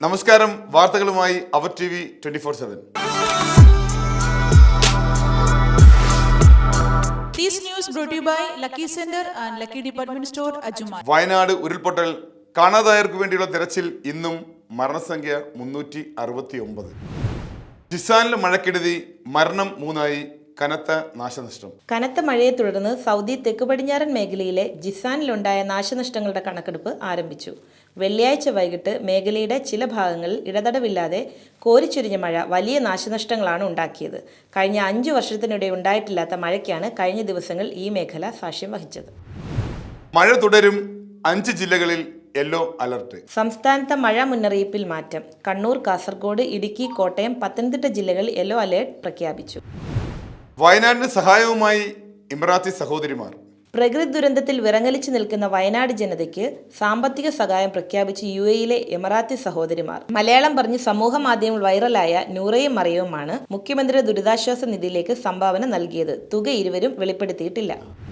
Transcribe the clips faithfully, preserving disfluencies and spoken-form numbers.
നമസ്കാരം, വാർത്തകളുമായി അവർ T V twenty four seven. Wayanad ഉരുൾപൊട്ടൽ കാണാതായവർക്ക് വേണ്ടിയുള്ള തെരച്ചിൽ ഇന്നും. മരണസംഖ്യ മുന്നൂറ്റി അറുപത്തി ഒമ്പത്. ജിസാനിലെ മഴക്കെടുതി, മരണം മൂന്നായി, കനത്ത നാശനഷ്ടം. കനത്ത മഴയെ തുടർന്ന് സൗദി തെക്ക് പടിഞ്ഞാറൻ മേഖലയിലെ ജിസാനിലുണ്ടായ നാശനഷ്ടങ്ങളുടെ കണക്കെടുപ്പ് ആരംഭിച്ചു. വെള്ളിയാഴ്ച വൈകിട്ട് മേഖലയുടെ ചില ഭാഗങ്ങളിൽ ഇടതടവില്ലാതെ കോരിച്ചൊരിഞ്ഞ മഴ വലിയ നാശനഷ്ടങ്ങളാണ് ഉണ്ടാക്കിയത്. കഴിഞ്ഞ അഞ്ചു വർഷത്തിനിടെ ഉണ്ടായിട്ടില്ലാത്ത മഴയ്ക്കാണ് കഴിഞ്ഞ ദിവസങ്ങൾ ഈ മേഖല സാക്ഷ്യം വഹിച്ചത്. മഴ തുടരും. അഞ്ച് ജില്ലകളിൽ യെല്ലോ അലർട്ട്. സംസ്ഥാനത്തെ മഴ മുന്നറിയിപ്പിൽ മാറ്റം. കണ്ണൂർ, കാസർഗോഡ്, ഇടുക്കി, കോട്ടയം, പത്തനംതിട്ട ജില്ലകളിൽ യെല്ലോ അലേർട്ട് പ്രഖ്യാപിച്ചു. വയനാടിന് സഹായവുമായി ഇമറാത്തി സഹോദരിമാർ. പ്രകൃതി ദുരന്തത്തിൽ വിറങ്ങലിച്ചു നിൽക്കുന്ന വയനാട് ജനതയ്ക്ക് സാമ്പത്തിക സഹായം പ്രഖ്യാപിച്ച് യു എയിലെ എമിറാത്തി സഹോദരിമാർ. മലയാളം പറഞ്ഞ് സമൂഹ മാധ്യമങ്ങൾ വൈറലായ നൂറയും മറിയവുമാണ് മുഖ്യമന്ത്രിയുടെ ദുരിതാശ്വാസ നിധിയിലേക്ക് സംഭാവന നൽകിയത്. തുക ഇരുവരും വെളിപ്പെടുത്തിയിട്ടില്ല.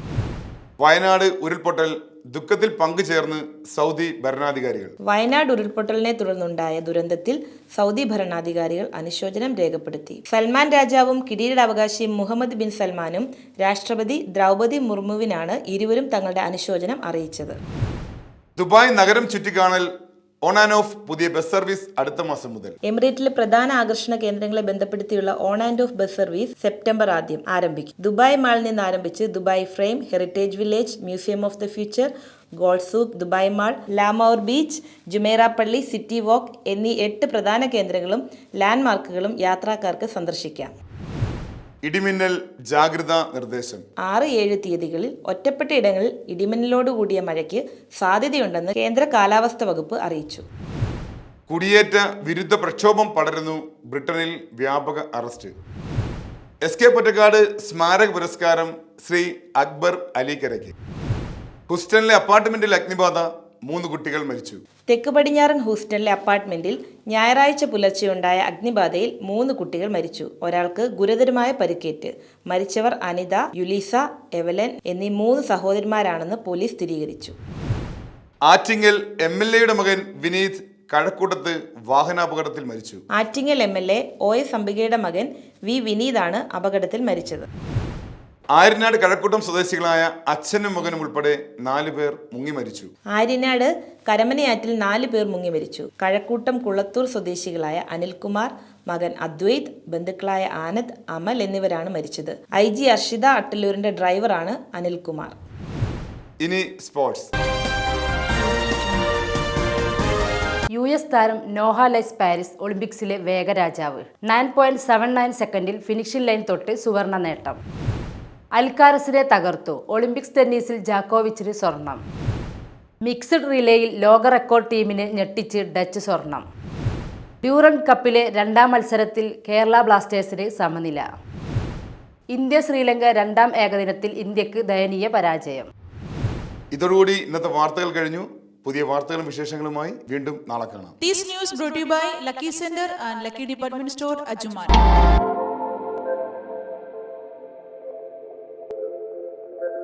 വയനാട് ഉരുൾപൊട്ടൽ ദുഃഖത്തിൽ പങ്കുചേർന്ന് സൗദി ഭരണാധികാരികൾ. വയനാട് ഉരുൾപൊട്ടലിനെ തുടർന്നുണ്ടായ ദുരന്തത്തിൽ സൗദി ഭരണാധികാരികൾ അനുശോചനം രേഖപ്പെടുത്തി. സൽമാൻ രാജാവും കിരീടാവകാശി മുഹമ്മദ് ബിൻ സൽമാനും രാഷ്ട്രപതി ദ്രൗപദി മുർമുവിനാണ് ഇരുവരും തങ്ങളുടെ അനുശോചനം അറിയിച്ചത്. ദുബായ് നഗരം ചുറ്റിക്കാണൽ ഓൺ ആൻഡ് ഓഫ് പുതിയ ബസ് സർവീസ് അടുത്ത മാസം മുതൽ. എമിറേറ്റിലെ പ്രധാന ആകർഷണ കേന്ദ്രങ്ങളെ ബന്ധപ്പെടുത്തിയുള്ള on and off bus service September ആദ്യം ആരംഭിക്കും. ദുബായ് മാളിൽ നിന്ന് ആരംഭിച്ച് Dubai frame, heritage village, museum of the future, gold souk, Dubai mall, La Mer beach, Jumeirah പള്ളി, സിറ്റി വാക്ക് എന്നീ എട്ട് പ്രധാന കേന്ദ്രങ്ങളും ലാൻഡ്മാർക്കുകളും യാത്രക്കാർക്ക് സന്ദർശിക്കാം. ഇടിമിന്നൽ ജാഗ്രതാ നിർദ്ദേശം. ആറ് ഏഴ് തീയതികളിൽ ഒറ്റപ്പെട്ട ഇടങ്ങളിൽ ഇടിമിന്നലോടുകൂടിയ മഴയ്ക്ക് സാധ്യതയുണ്ടെന്ന് കേന്ദ്ര കാലാവസ്ഥ വകുപ്പ് അറിയിച്ചു. കുടിയേറ്റ വിരുദ്ധ പ്രക്ഷോഭം പടരുന്നു. ബ്രിട്ടനിൽ വ്യാപക അറസ്റ്റ്. എസ് കെ പൊറ്റക്കാട് സ്മാരക പുരസ്കാരം ശ്രീ അക്ബർ അലിക്കരയ്ക്ക്. ഹൂസ്റ്റണിലെ അപ്പാർട്ട്മെന്റിൽ അഗ്നിബാധ, മൂന്ന് കുട്ടികൾ മരിച്ചു. തെക്ക് പടിഞ്ഞാറൻ ഹൂസ്റ്റണിലെ അപ്പാർട്ട്മെന്റിൽ ഞായറാഴ്ച പുലർച്ചെയുണ്ടായ അഗ്നിബാധയിൽ മൂന്ന് കുട്ടികൾ മരിച്ചു. ഒരാൾക്ക് ഗുരുതരമായ പരിക്കേറ്റ്. മരിച്ചവർ അനിത, യുലീസ, എവലൻ എന്നീ മൂന്ന് സഹോദരിമാരാണെന്ന് പോലീസ് സ്ഥിരീകരിച്ചു. ആറ്റിങ്ങൽ എം എൽ എയുടെ മകൻ വിനീത് കഴക്കൂട്ടത്ത് വാഹനാപകടത്തിൽ മരിച്ചു. Attingal M L A O S അംബികയുടെ മകൻ വി വിനീതാണ് അപകടത്തിൽ മരിച്ചത്. ആര്യനാട് കഴക്കൂട്ടം സ്വദേശികളായ അച്ഛനും മകനും ഉൾപ്പെടെ നാലു പേർ മുങ്ങി മരിച്ചു. ആര്യനാട് കരമനയാറ്റിൽ നാല് പേർ മുങ്ങി മരിച്ചു. കഴക്കൂട്ടം കുളത്തൂർ സ്വദേശികളായ അനിൽകുമാർ, മകൻ അദ്വൈത്, ബന്ധുക്കളായ ആനന്ദ്, അമൽ എന്നിവരാണ് മരിച്ചത്. ഐ ജി അർഷിത അട്ടല്ലൂരിന്റെ ഡ്രൈവറാണ് അനിൽകുമാർ. ഇനി സ്പോർട്സ്. യു എസ് താരം നോഹ ലൈസ് പാരീസ് ഒളിമ്പിക്സിലെ വേഗരാജാവ്. നയൻ പോയിന്റ് സെവൻ നയൻ സെക്കൻഡിൽ ഫിനിഷിംഗ് ലൈൻ തൊട്ട് സുവർണ നേട്ടം. അൽക്കാരസിനെ തകർത്തു. ഒളിമ്പിക്സ് ടെന്നീസിൽ ജാക്കോവിച്ചിന് സ്വർണം. മിക്സഡ് റിലേയിൽ ലോക റെക്കോർഡ് ടീമിനെ ഞെട്ടിച്ച് ഡച്ച് സ്വർണം. ഡ്യൂറന്റ് കപ്പിലെ രണ്ടാം മത്സരത്തിൽ കേരള ബ്ലാസ്റ്റേഴ്സിന് സമനില. ഇന്ത്യ ശ്രീലങ്ക രണ്ടാം ഏകദിനത്തിൽ ഇന്ത്യക്ക് ദയനീയ പരാജയം. ഇതോടുകൂടി ഇന്നത്തെ വാർത്തകൾ കഴിഞ്ഞു. പുതിയ വാർത്തകളും വിശേഷങ്ങളുമായി വീണ്ടും നാളെ കാണാം. This news brought to you by Lucky Center and Lucky Department Store, Ajumar.